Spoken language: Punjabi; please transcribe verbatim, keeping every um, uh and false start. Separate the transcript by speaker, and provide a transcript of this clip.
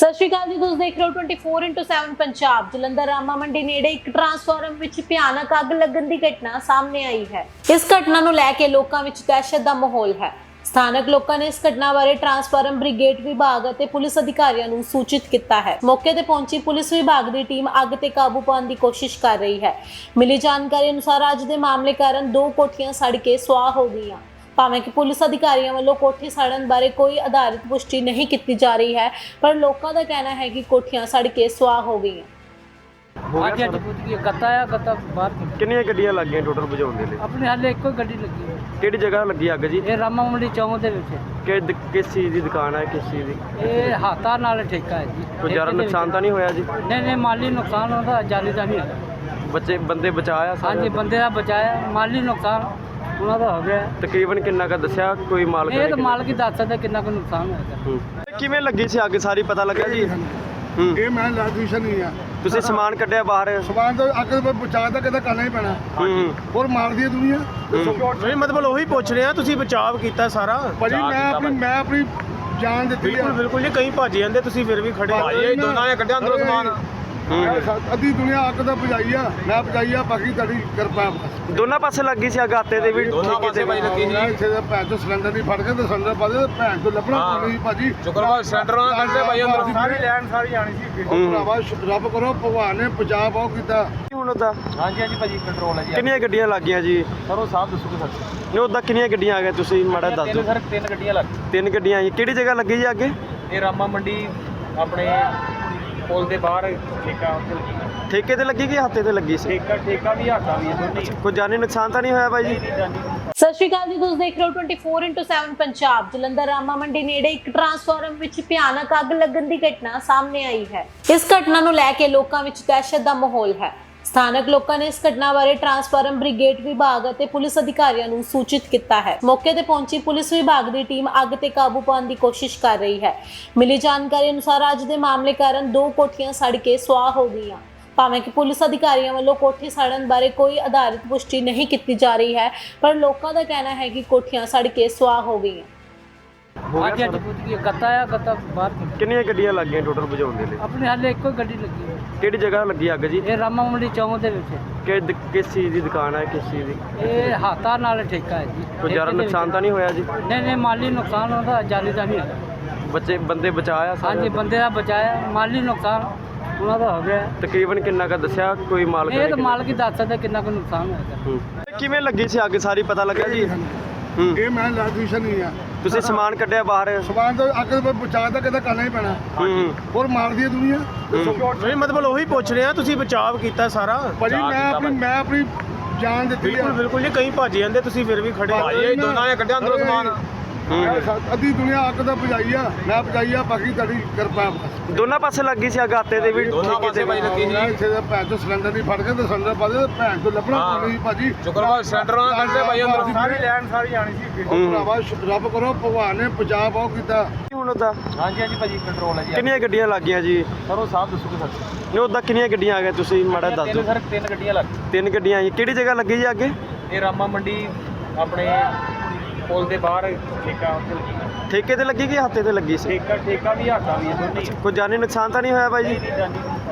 Speaker 1: ਸਤਿ ਸ਼੍ਰੀ ਅਕਾਲ ਜੀ, ਤੁਸੀਂ ਦੇਖ ਰਹੇ ਹੋ twenty four into seven Punjab. Jalandhar Rama Mandi ਨੇੜੇ ਇੱਕ ਟਰਾਂਸਫਾਰਮਰ ਵਿੱਚ ਭਿਆਨਕ ਅੱਗ ਲੱਗਣ ਦੀ ਘਟਨਾ ਸਾਹਮਣੇ ਆਈ ਹੈ। ਇਸ ਘਟਨਾ ਨੂੰ ਲੈ ਕੇ ਲੋਕਾਂ ਵਿੱਚ ਦਹਿਸ਼ਤ ਦਾ ਮਾਹੌਲ ਹੈ। ਸਥਾਨਕ ਲੋਕਾਂ ਨੇ ਇਸ ਘਟਨਾ ਬਾਰੇ ਟਰਾਂਸਫਾਰਮਰ ਬ੍ਰਿਗੇਡ ਵਿਭਾਗ ਅਤੇ ਪੁਲਿਸ ਅਧਿਕਾਰੀਆਂ ਨੂੰ ਸੂਚਿਤ ਕੀਤਾ ਹੈ। ਮੌਕੇ ਤੇ ਪਹੁੰਚੀ ਪੁਲਿਸ ਵਿਭਾਗ ਦੀ ਟੀਮ ਅੱਗ ਤੇ ਕਾਬੂ ਪਾਉਣ ਦੀ ਕੋਸ਼ਿਸ਼ ਕਰ ਰਹੀ ਹੈ। ਮਿਲੀ ਜਾਣਕਾਰੀ ਅਨੁਸਾਰ ਅੱਜ ਦੇ ਮਾਮਲੇ ਕਾਰਨ ਦੋ ਕੋਠੀਆਂ ਸੜ ਕੇ ਸੁਆਹ ਹੋ ਗਈਆਂ। ਭਾਵੇਂ ਕਿ ਪੁਲਿਸ ਅਧਿਕਾਰੀਆਂ ਵੱਲੋਂ ਕੋਠੀ ਸੜਨ ਬਾਰੇ ਕੋਈ ਆਧਾਰਿਤ ਪੁਸ਼ਟੀ ਨਹੀਂ ਕੀਤੀ ਜਾ ਰਹੀ ਹੈ, ਪਰ ਲੋਕਾਂ ਦਾ ਕਹਿਣਾ ਹੈ ਕਿ ਕੋਠੀਆਂ ਸੜ ਕੇ ਸੁਆਹ ਹੋ ਗਈਆਂ।
Speaker 2: ਅੱਜ ਅੱਜ ਪੁੱਤ ਕੀ ਗੱਤਾ ਆ ਗੱਤਾ ਬਾਹਰ
Speaker 3: ਕਿੰਨੀਆਂ ਗੱਡੀਆਂ ਲੱਗੀਆਂ ਟੋਟਲ ਬੁਝਾਉਣ ਦੇ ਲਈ?
Speaker 2: ਆਪਣੇ ਹਾਲੇ ਇੱਕੋ ਹੀ ਗੱਡੀ ਲੱਗੀ ਹੈ।
Speaker 3: ਕਿਹੜੀ ਜਗ੍ਹਾ ਲੱਗੀ ਅੱਗ ਜੀ?
Speaker 2: ਇਹ ਰਾਮਾ ਮੰਡੀ ਚੌਂਕ ਦੇ ਵਿੱਚ
Speaker 3: ਕਿ ਦ- ਕਿਸ ਚੀਜ਼ ਦੀ ਦੁਕਾਨ ਹੈ, ਕਿਸ ਚੀਜ਼ ਦੀ?
Speaker 2: ਇਹ ਹਾਤਾ ਨਾਲ ਠੇਕਾ ਹੈ ਜੀ।
Speaker 3: ਕੋਈ ਜ਼ਿਆਦਾ ਨੁਕਸਾਨ ਤਾਂ ਨਹੀਂ ਹੋਇਆ ਜੀ?
Speaker 2: ਨਹੀਂ ਨਹੀਂ ਮਾਲੀ ਨੁਕਸਾਨ ਹੁੰਦਾ, ਜਾਨੀ ਦਾ ਨਹੀਂ ਹੋਇਆ।
Speaker 3: ਬੱਚੇ ਬੰਦੇ ਬਚਾਇਆ
Speaker 2: ਹਾਂਜੀ ਬੰਦੇ ਦਾ ਬਚਾਇਆ, ਮਾਲੀ ਨੁਕਸਾਨ ਉਹਨਾਂ ਦਾ ਹੋ ਗਿਆ।
Speaker 3: ਤਕਰੀਬਨ ਕਿੰਨਾ ਕੁ ਦੱਸਿਆ ਕੋਈ ਮਾਲਕ
Speaker 2: ਇਹ
Speaker 3: ਨੇ?
Speaker 2: ਤਾਂ ਮਾਲਕ ਹੀ ਦੱਸ ਸਕਦਾ ਕਿੰਨਾ ਕੁ ਨੁਕਸਾਨ ਹੋਇਆ।
Speaker 3: ਹੂੰ। ਕਿਵੇਂ ਲੱਗੀ ਸੀ ਅੱਗ, ਸਾਰੀ ਪਤਾ ਲੱਗਾ ਜੀ? ਹੂੰ।
Speaker 4: ਇਹ ਮੈਂ ਇਲੈਕਟ੍ਰੀਸ਼ੀਅਨ ਨਹੀਂ ਆ।
Speaker 3: ਤੁਸੀਂ ਸਮਾਨ ਕੱਢਿਆ ਬਾਹਰ?
Speaker 4: ਸਮਾਨ ਤੋਂ ਅੱਗ ਬਚਾ ਤਾਂ ਕਿਤੇ ਕਰਨਾ ਹੀ ਪੈਣਾ।
Speaker 3: ਹੂੰ।
Speaker 4: ਹੋਰ ਮਾਰਦੀ ਹੈ ਦੁਨੀਆ।
Speaker 3: ਨਹੀਂ ਮਤਲਬ ਉਹੀ ਪੁੱਛ ਰਿਹਾ, ਤੁਸੀਂ ਬਚਾਅ ਕੀਤਾ ਸਾਰਾ?
Speaker 4: ਭਾਜੀ ਮੈਂ ਆਪਣੀ ਮੈਂ ਆਪਣੀ ਜਾਨ ਦਿੱਤੀ ਆ।
Speaker 3: ਬਿਲਕੁਲ ਜੀ, ਕਈ ਭੱਜ ਜਾਂਦੇ, ਤੁਸੀਂ ਫਿਰ ਵੀ ਖੜੇ।
Speaker 4: ਭਾਈ ਦੋਨਾਂ ਨੇ ਕੱਢਿਆ ਅੰਦਰੋਂ ਸਮਾਨ। ਅੱਧੀ ਦੁਨੀਆ ਅੱਗ ਤਾਂ ਬੁਝਾਈ ਆ, ਮੈਂ ਬੁਝਾਈ ਆ, ਬਾਕੀ ਤੁਹਾਡੀ ਕਿਰਪਾ ਬਸ।
Speaker 3: ਦੋਨਾਂ ਪਾਸੇ ਲੱਗੀ ਸੀ ਅੱਗ, ਆਤੇ ਦੇ ਵੀ ਠੇਕੇ ਤੇ ਵੀ?
Speaker 4: ਉਹਨਾਂ ਇੱਥੇ ਦਾ ਭੈਣ ਤੋਂ ਸਿਲੰਡਰ ਨਹੀਂ ਫੜ ਕੇ ਤੇ ਸਿਲੰਡਰ ਪਾ ਦੇ, ਭੈਣ ਤੋਂ ਲੱਭਣਾ ਕੋਈ ਭਾਜੀ।
Speaker 5: ਸ਼ੁਕਰਵਾਰ ਸਿਲੰਡਰ ਉਹਨਾਂ ਕੱਢਦੇ ਭਾਈ ਅੰਦਰ
Speaker 4: ਸਾਰੀ
Speaker 5: ਲੈਣ ਸਾਰੀ ਆਣੀ ਸੀ।
Speaker 4: ਉਹ ਭਰਾਵਾ ਰੱਬ ਕਰੋ ਭਗਵਾਨ ਨੇ ਬਚਾ ਬਹੁਤ ਕੀਤਾ।
Speaker 3: ਹੁਣ ਉਹਦਾ
Speaker 5: ਹਾਂਜੀ ਹਾਂਜੀ ਭਾਜੀ ਕੰਟਰੋਲ ਹੈ ਜੀ।
Speaker 3: ਕਿੰਨੀਆਂ ਗੱਡੀਆਂ ਲੱਗੀਆਂ ਜੀ?
Speaker 5: ਸਰ ਉਹ ਸਾਹਿਬ ਦੱਸੋਗੇ ਸਰ?
Speaker 3: ਨਹੀਂ ਉਹਦਾ ਕਿੰਨੀਆਂ ਗੱਡੀਆਂ ਆ ਗਈਆਂ, ਤੁਸੀਂ ਮਾੜਾ ਦੱਸ
Speaker 5: ਤਿੰਨ
Speaker 3: ਦਿਓ।
Speaker 5: ਸਰ ਤਿੰਨ ਗੱਡੀਆਂ ਲੱਗ
Speaker 3: ਤਿੰਨ ਗੱਡੀਆਂ ਆਈਆਂ। ਕਿਹੜੀ ਜਗ੍ਹਾ ਲੱਗੀ ਜੀ ਅੱਗੇ?
Speaker 5: ਇਹ ਰਾਮਾ ਮੰਡੀ ਆਪਣੇ ਪੁਲ ਦੇ ਬਾਹਰ ਠੇਕਾ ਉੱਥੇ ਲੱਗੀ ਹੈ।
Speaker 3: ਠੇਕੇ ਤੇ ਲੱਗੀ ਕਿ ਹੱਥੇ ਤੇ ਲੱਗੀ ਸੀ?
Speaker 5: ਠੇਕਾ ਠੇਕਾ ਵੀ ਹਾਟਾ ਵੀ ਹੈ ਦੋਨੇ ਹੀ।
Speaker 3: ਕੋਈ ਜਾਨੀ ਨੁਕਸਾਨ ਤਾਂ ਨਹੀਂ ਹੋਇਆ ਬਾਈ ਜੀ?
Speaker 5: ਨਹੀਂ ਜਾਨੀ।
Speaker 1: ਸਤਿ ਸ਼੍ਰੀ ਅਕਾਲ ਜੀ, ਤੁਸੀਂ ਦੇਖ ਰਹੇ ਹੋ twenty four into seven Punjab. Jalandhar Rama Mandi ਨੇੜੇ ਇੱਕ ਟਰਾਂਸਫਾਰਮਰ ਵਿੱਚ ਭਿਆਨਕ ਅੱਗ ਲੱਗਣ ਦੀ ਘਟਨਾ ਸਾਹਮਣੇ ਆਈ ਹੈ। ਇਸ ਘਟਨਾ ਨੂੰ ਲੈ ਕੇ ਲੋਕਾਂ ਵਿੱਚ ਦਹਿਸ਼ਤ ਦਾ ਮਾਹੌਲ ਹੈ। ਸਥਾਨਕ ਲੋਕਾਂ ਨੇ ਇਸ ਘਟਨਾ ਬਾਰੇ ਟਰਾਂਸਫਾਰਮਰ ਬ੍ਰਿਗੇਡ ਵਿਭਾਗ ਅਤੇ ਪੁਲਿਸ ਅਧਿਕਾਰੀਆਂ ਨੂੰ ਸੂਚਿਤ ਕੀਤਾ ਹੈ। ਮੌਕੇ ਤੇ ਪਹੁੰਚੀ ਪੁਲਿਸ ਵਿਭਾਗ ਦੀ ਟੀਮ ਅੱਗ ਤੇ ਕਾਬੂ ਪਾਉਣ ਦੀ ਕੋਸ਼ਿਸ਼ ਕਰ ਰਹੀ ਹੈ। ਮਿਲੀ ਜਾਣਕਾਰੀ ਅਨੁਸਾਰ ਅੱਜ ਦੇ ਮਾਮਲੇ ਕਾਰਨ ਦੋ ਕੋਠੀਆਂ ਸੜ ਕੇ ਸੁਆਹ ਹੋ ਗਈਆਂ। ਭਾਵੇਂ ਕਿ ਪੁਲਿਸ ਅਧਿਕਾਰੀਆਂ ਵੱਲੋਂ ਕੋਠੀ ਸੜਨ ਬਾਰੇ ਕੋਈ ਆਧਾਰਿਤ ਪੁਸ਼ਟੀ ਨਹੀਂ ਕੀਤੀ ਜਾ ਰਹੀ ਹੈ, ਪਰ ਲੋਕਾਂ ਦਾ ਕਹਿਣਾ ਹੈ ਕਿ ਕੋਠੀਆਂ ਸੜ ਕੇ ਸੁਆਹ ਹੋ ਗਈਆਂ।
Speaker 2: ਅੱਜ ਅੱਜ ਪੁੱਤ ਕੀ ਗੱਤਾ ਆ ਗੱਤਾ ਬਾਹਰ
Speaker 3: ਕਿੰਨੀਆਂ ਗੱਡੀਆਂ ਲੱਗੀਆਂ ਟੋਟਲ ਬੁਝਾਉਣ ਦੇ ਲਈ?
Speaker 2: ਆਪਣੇ ਹਾਲੇ ਇੱਕੋ ਹੀ ਗੱਡੀ ਲੱਗੀ ਹੈ।
Speaker 3: ਕਿਹੜੀ ਜਗ੍ਹਾ ਲੱਗੀ ਅੱਗ ਜੀ?
Speaker 2: ਇਹ ਰਾਮਾ ਮੰਡੀ ਚੌਂਕ ਦੇ ਵਿੱਚ
Speaker 3: ਕਿ ਦ- ਕਿਸ ਚੀਜ਼ ਦੀ ਦੁਕਾਨ ਹੈ, ਕਿਸ ਚੀਜ਼ ਦੀ?
Speaker 2: ਇਹ ਹਾਤਾ ਨਾਲ ਠੇਕਾ ਹੈ ਜੀ।
Speaker 3: ਕੋਈ ਜ਼ਿਆਦਾ ਨੁਕਸਾਨ ਤਾਂ ਨਹੀਂ ਹੋਇਆ ਜੀ?
Speaker 2: ਨਹੀਂ ਨਹੀਂ ਮਾਲੀ ਨੁਕਸਾਨ ਹੁੰਦਾ, ਜਾਨੀ ਦਾ ਨਹੀਂ ਹੋਇਆ।
Speaker 3: ਬੱਚੇ ਬੰਦੇ ਬਚਾਇਆ
Speaker 2: ਹਾਂਜੀ ਬੰਦੇ ਦਾ ਬਚਾਇਆ, ਮਾਲੀ ਨੁਕਸਾਨ ਉਹਨਾਂ ਦਾ ਹੋ ਗਿਆ।
Speaker 3: ਤਕਰੀਬਨ ਕਿੰਨਾ ਕੁ ਦੱਸਿਆ ਕੋਈ ਮਾਲਕ
Speaker 2: ਇਹ
Speaker 3: ਨੇ?
Speaker 2: ਤਾਂ ਮਾਲਕ ਹੀ ਦੱਸ ਸਕਦਾ ਕਿੰਨਾ ਕੁ ਨੁਕਸਾਨ ਹੋਇਆ।
Speaker 3: ਹੂੰ। ਕਿਵੇਂ ਲੱਗੀ ਸੀ ਅੱਗ, ਸਾਰੀ ਪਤਾ ਲੱਗਾ ਜੀ? ਹੂੰ।
Speaker 4: ਇਹ ਮੈਂ ਇਲੈਕਟ੍ਰੀਸ਼ੀਅਨ ਨਹੀਂ ਆ।
Speaker 3: ਤੁਸੀਂ ਸਮਾਨ ਕੱਢਿਆ ਬਾਹਰ?
Speaker 4: ਸਮਾਨ ਤੋਂ ਅੱਗ ਬਚਾ ਤਾਂ ਕਿਤੇ ਕਰਨਾ ਹੀ ਪੈਣਾ।
Speaker 3: ਹੂੰ।
Speaker 4: ਹੋਰ ਮਾਰਦੀ ਹੈ ਦੁਨੀਆ।
Speaker 3: ਨਹੀਂ ਮਤਲਬ ਉਹੀ ਪੁੱਛ ਰਿਹਾ, ਤੁਸੀਂ ਬਚਾਅ ਕੀਤਾ ਸਾਰਾ?
Speaker 4: ਭਾਜੀ ਮੈਂ ਆਪਣੀ ਮੈਂ ਆਪਣੀ ਜਾਨ ਦਿੱਤੀ ਆ।
Speaker 3: ਬਿਲਕੁਲ ਜੀ, ਕਈ ਭੱਜ ਜਾਂਦੇ, ਤੁਸੀਂ ਫਿਰ ਵੀ ਖੜੇ।
Speaker 5: ਭਾਈ ਦੋਨਾਂ ਨੇ ਕੱਢਿਆ ਅੰਦਰੋਂ ਸਮਾਨ।
Speaker 4: ਅੱਧੀ ਦੁਨੀਆ ਅੱਗ ਤਾਂ ਬੁਝਾਈ ਆ, ਮੈਂ ਬੁਝਾਈ ਆ, ਬਾਕੀ ਤੁਹਾਡੀ ਕਿਰਪਾ ਬਸ।
Speaker 3: ਦੋਨਾਂ ਪਾਸੇ ਲੱਗੀ ਸੀ ਅੱਗ, ਆਤੇ ਦੇ ਵੀ
Speaker 5: ਦੋਨਾਂ
Speaker 3: ਠੇਕੇ
Speaker 5: ਪਾਸੇ
Speaker 3: ਤੇ
Speaker 5: ਭਾਈ
Speaker 3: ਵੀ?
Speaker 5: ਲੱਗੀ
Speaker 4: ਉਹਨਾਂ
Speaker 5: ਸੀ।
Speaker 4: ਇੱਥੇ ਦਾ ਭੈਣ ਤੋਂ ਸਿਲੰਡਰ ਨਹੀਂ ਫੜ ਕੇ ਤੇ ਸਿਲੰਡਰ ਪਾ ਦੇ, ਭੈਣ ਤੋਂ ਲੱਭਣਾ ਕੋਈ ਭਾਜੀ।
Speaker 5: ਸ਼ੁਕਰਵਾਰ ਸਿਲੰਡਰ ਉਹਨਾਂ ਕੱਢਦੇ ਭਾਈ ਅੰਦਰ
Speaker 4: ਸਾਰੀ
Speaker 5: ਲੈਣ ਸਾਰੀ ਆਣੀ ਸੀ।
Speaker 4: ਉਹ ਭਰਾਵਾ ਰੱਬ ਕਰੋ ਭਗਵਾਨ ਨੇ ਬਚਾ ਬਹੁਤ ਕੀਤਾ।
Speaker 3: ਹੁਣ ਉਹਦਾ
Speaker 5: ਹਾਂਜੀ ਹਾਂਜੀ ਭਾਜੀ ਕੰਟਰੋਲ ਹੈ ਜੀ।
Speaker 3: ਕਿੰਨੀਆਂ ਗੱਡੀਆਂ ਲੱਗੀਆਂ ਜੀ?
Speaker 5: ਸਰ ਉਹ ਸਾਹਿਬ ਦੱਸੋਗੇ ਸਰ?
Speaker 3: ਨਹੀਂ ਉਹਦਾ ਕਿੰਨੀਆਂ ਗੱਡੀਆਂ ਆ ਗਈਆਂ, ਤੁਸੀਂ ਮਾੜਾ ਦੱਸ
Speaker 5: ਤਿੰਨ
Speaker 3: ਦਿਓ।
Speaker 5: ਸਰ ਤਿੰਨ ਗੱਡੀਆਂ ਲੱਗ
Speaker 3: ਤਿੰਨ ਗੱਡੀਆਂ ਆਈਆਂ। ਕਿਹੜੀ ਜਗ੍ਹਾ ਲੱਗੀ ਜੀ ਅੱਗੇ?
Speaker 5: ਇਹ ਰਾਮਾ ਮੰਡੀ ਆਪਣੇ ਪੁਲ ਦੇ ਬਾਹਰ ਠੇਕਾ ਉੱਥੇ ਲੱਗੀ ਹੈ।
Speaker 3: ਠੇਕੇ ਤੇ ਲੱਗੀ ਕਿ ਹੱਥੇ ਤੇ ਲੱਗੀ ਸੀ?
Speaker 5: ਠੇਕਾ ਠੇਕਾ ਵੀ ਹਾਟਾ ਵੀ ਹੈ ਦੋਨੇ ਹੀ।
Speaker 3: ਕੋਈ ਜਾਨੀ ਨੁਕਸਾਨ ਤਾਂ ਨਹੀਂ ਹੋਇਆ ਬਾਈ ਜੀ?
Speaker 5: ਨਹੀਂ ਜਾਨੀ।